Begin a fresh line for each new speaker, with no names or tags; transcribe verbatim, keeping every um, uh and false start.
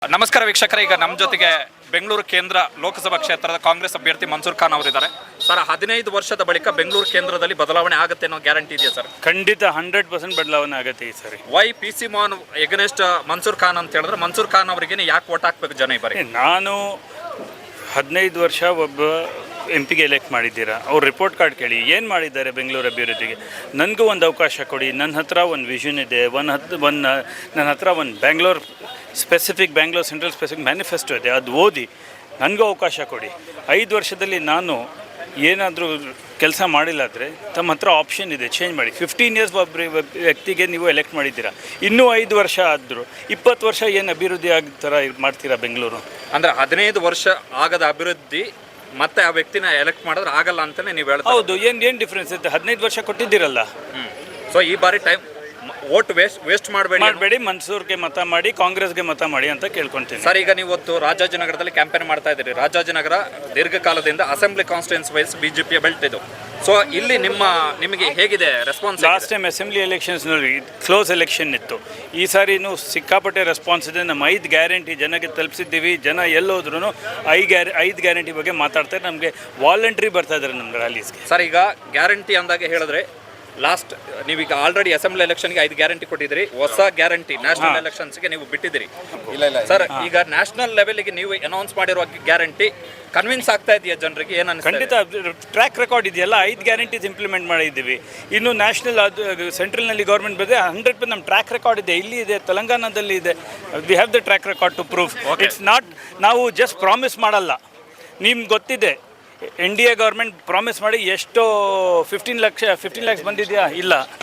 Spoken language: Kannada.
ನಮಸ್ಕಾರ ವೀಕ್ಷಕರೇ, ಈಗ ನಮ್ಮ ಜೊತೆಗೆ ಬೆಂಗಳೂರು ಕೇಂದ್ರ ಲೋಕಸಭಾ ಕ್ಷೇತ್ರದ ಕಾಂಗ್ರೆಸ್ ಅಭ್ಯರ್ಥಿ ಮನ್ಸೂರ್ ಖಾನ್ ಅವರಿದ್ದಾರೆ. ಸರ್, ಹದಿನೈದು ವರ್ಷದ ಬಳಿಕ ಬೆಂಗಳೂರು ಕೇಂದ್ರದಲ್ಲಿ ಬದಲಾವಣೆ ಆಗುತ್ತೆ ಅನ್ನೋ ಗ್ಯಾರಂಟಿ ಇದೆಯಾ ಸರ್?
ಖಂಡಿತ ಹಂಡ್ರೆಡ್ ಪರ್ಸೆಂಟ್ ಬದಲಾವಣೆ ಆಗುತ್ತೆ ಈ ಸರಿ.
Why P C Mohan against Mansoor Khan ಅಂತ ಹೇಳಿದ್ರೆ ಮನ್ಸೂರ್ ಖಾನ್ ಅವರಿಗೆ ಯಾಕೆ ಓಟ್ ಹಾಕ್ಬೇಕು ಜನ ಈ ಬಾರಿ?
ನಾನು ಹದಿನೈದು ವರ್ಷ ಒಬ್ಬ ಎಂ ಪಿಗೆ ಎಲೆಕ್ಟ್ ಮಾಡಿದ್ದೀರಾ, ಅವ್ರ ರಿಪೋರ್ಟ್ ಕಾರ್ಡ್ ಕೇಳಿ ಏನು ಮಾಡಿದ್ದಾರೆ ಬೆಂಗಳೂರು ಅಭಿವೃದ್ಧಿಗೆ. ನನಗೂ ಒಂದು ಅವಕಾಶ ಕೊಡಿ. ನನ್ನ ಹತ್ರ ಒಂದು ವಿಷನ್ ಇದೆ, ಒಂದು ಹತ್ತು ಒಂದು ನನ್ನ ಹತ್ರ ಒಂದು Bangalore specific Bangalore central specific manifesto ಇದೆ, ಅದು ಓದಿ ನನಗೂ ಅವಕಾಶ ಕೊಡಿ. ಐದು ವರ್ಷದಲ್ಲಿ ನಾನು ಏನಾದರೂ ಕೆಲಸ ಮಾಡಿಲ್ಲ ಆದರೆ ತಮ್ಮ ಹತ್ರ ಆಪ್ಷನ್ ಇದೆ, ಚೇಂಜ್ ಮಾಡಿ. ಫಿಫ್ಟೀನ್ ಇಯರ್ಸ್ ಒಬ್ಬ ವ್ಯಕ್ತಿಗೆ ನೀವು ಎಲೆಕ್ಟ್ ಮಾಡಿದ್ದೀರಾ, ಇನ್ನೂ ಐದು ವರ್ಷ ಆದರೂ ಇಪ್ಪತ್ತು ವರ್ಷ ಏನು ಅಭಿವೃದ್ಧಿ ಆಗೋ ಥರ ಮಾಡ್ತೀರಾ ಬೆಂಗಳೂರು?
ಅಂದರೆ ಹದಿನೈದು ವರ್ಷ ಆಗದ ಅಭಿವೃದ್ಧಿ ಮತ್ತೆ ಆ ವ್ಯಕ್ತಿನ ಎಲೆಕ್ಟ್ ಮಾಡಿದ್ರೆ ಆಗಲ್ಲ ಅಂತಲೇ ನೀವು ಹೇಳ್ತಾ?
ಹೌದು. ಏನು ಏನು ಡಿಫ್ರೆನ್ಸ್ ಇದೆ? ಹದಿನೈದು ವರ್ಷ ಕೊಟ್ಟಿದ್ದೀರಲ್ಲ.
ಹ್ಞೂ ಸೊ ಈ ಬಾರಿ ಟೈಮ್ ವೋಟ್ ವೇಸ್ಟ್ ವೇಸ್ಟ್ ಮಾಡಬೇಡಿ
ಮಾಡಬೇಡಿ ಮನ್ಸೂರ್ಗೆ ಮತ ಮಾಡಿ, ಕಾಂಗ್ರೆಸ್ಗೆ ಮತ ಮಾಡಿ ಅಂತ ಕೇಳ್ಕೊತೀನಿ.
ಸರ್, ಈಗ ನೀವು ಇವತ್ತು ರಾಜಾಜಿನಗರದಲ್ಲಿ ಕ್ಯಾಂಪೇನ್ ಮಾಡ್ತಾ ಇದ್ದೀರಿ. ರಾಜಾಜಿನಗರ ದೀರ್ಘಕಾಲದಿಂದ ಅಸೆಂಬ್ಲಿ ಕಾನ್ಸ್ಟಿಟ್ಯೂನ್ಸಿ ವೈಸ್ ಬಿಜೆಪಿಯ ಬೆಲ್ಟ್ ಇದು. ಸೊ ಇಲ್ಲಿ ನಿಮ್ಮ ನಿಮಗೆ ಹೇಗಿದೆ ರೆಸ್ಪಾನ್ಸ್?
ಲಾಸ್ಟ್ ಟೈಮ್ ಅಸೆಂಬ್ಲಿ ಎಲೆಕ್ಷನ್ಸ್ನಲ್ಲಿ ಕ್ಲೋಸ್ ಎಲೆಕ್ಷನ್ ಇತ್ತು. ಈ ಸಾರಿನೂ ಸಿಕ್ಕಾಪಟ್ಟೆ ರೆಸ್ಪಾನ್ಸ್ ಇದೆ. ನಮ್ಮ ಐದು ಗ್ಯಾರಂಟಿ ಜನಕ್ಕೆ ತಲುಪಿಸಿದ್ದೀವಿ. ಜನ ಎಲ್ಲೋದ್ರೂ ಐ ಗ್ಯಾರ ಐದು ಗ್ಯಾರಂಟಿ ಬಗ್ಗೆ ಮಾತಾಡ್ತಾರೆ. ನಮಗೆ ವಾಲಂಟ್ರಿ ಬರ್ತಾ ಇದ್ದಾರೆ ನಮ್ಮ ರ್ಯಾಲೀಸ್ಗೆ.
ಸರ್, ಈಗ ಗ್ಯಾರಂಟಿ ಅಂದಾಗೆ ಹೇಳಿದ್ರೆ ಲಾಸ್ಟ್ ನೀವೀಗ ಆಲ್ರೆಡಿ ಅಸೆಂಬ್ಲಿ ಎಲೆಕ್ಷನ್ಗೆ ಐದು ಗ್ಯಾರಂಟಿ ಕೊಟ್ಟಿದ್ದೀರಿ. ಹೊಸ ಗ್ಯಾರಂಟಿ ನ್ಯಾಷನಲ್ ಎಲೆಕ್ಷನ್ಸ್ಗೆ ನೀವು ಬಿಟ್ಟಿದ್ದೀರಿ. ಇಲ್ಲ ಇಲ್ಲ ಸರ್, ಈಗ ನ್ಯಾಷನಲ್ ಲೆವೆಲ್ಗೆ ನೀವು ಅನೌನ್ಸ್ ಮಾಡಿರುವ ಗ್ಯಾರಂಟಿ ಕನ್ವಿನ್ಸ್ ಆಗ್ತಾ ಇದೆಯಾ ಜನರಿಗೆ? ಏನು ಅನ್ಸುತ್ತೆ?
ಖಂಡಿತ ಟ್ರ್ಯಾಕ್ ರೆಕಾರ್ಡ್ ಇದೆಯಲ್ಲ, ಐದು ಗ್ಯಾರಂಟೀಸ್ ಇಂಪ್ಲಿಮೆಂಟ್ ಮಾಡಿದ್ದೀವಿ. ಇನ್ನು ನ್ಯಾಷನಲ್ ಅದು ಸೆಂಟ್ರಲ್ನಲ್ಲಿ ಗೌರ್ಮೆಂಟ್ ಬಂದರೆ ಹಂಡ್ರೆಡ್ ಪರ್ಸೆಂಟ್ ನಮ್ಮ ಟ್ರ್ಯಾಕ್ ರೆಕಾರ್ಡ್ ಇದೆ. ಇಲ್ಲಿ ಇದೆ, ತೆಲಂಗಾಣದಲ್ಲಿ ಇದೆ. We have the track record to proof. It's not ನಾವು ಜಸ್ಟ್ ಪ್ರಾಮಿಸ್ ಮಾಡಲ್ಲ. ನಿಮ್ಗೆ ಗೊತ್ತಿದೆ, N D A government promise ಮಾಡಿ ಎಷ್ಟೋ ಫಿಫ್ಟೀನ್ ಲಕ್ಷ ಫಿಫ್ಟೀನ್ ಲ್ಯಾಕ್ಸ್ ಬಂದಿದೆಯಾ? ಇಲ್ಲ.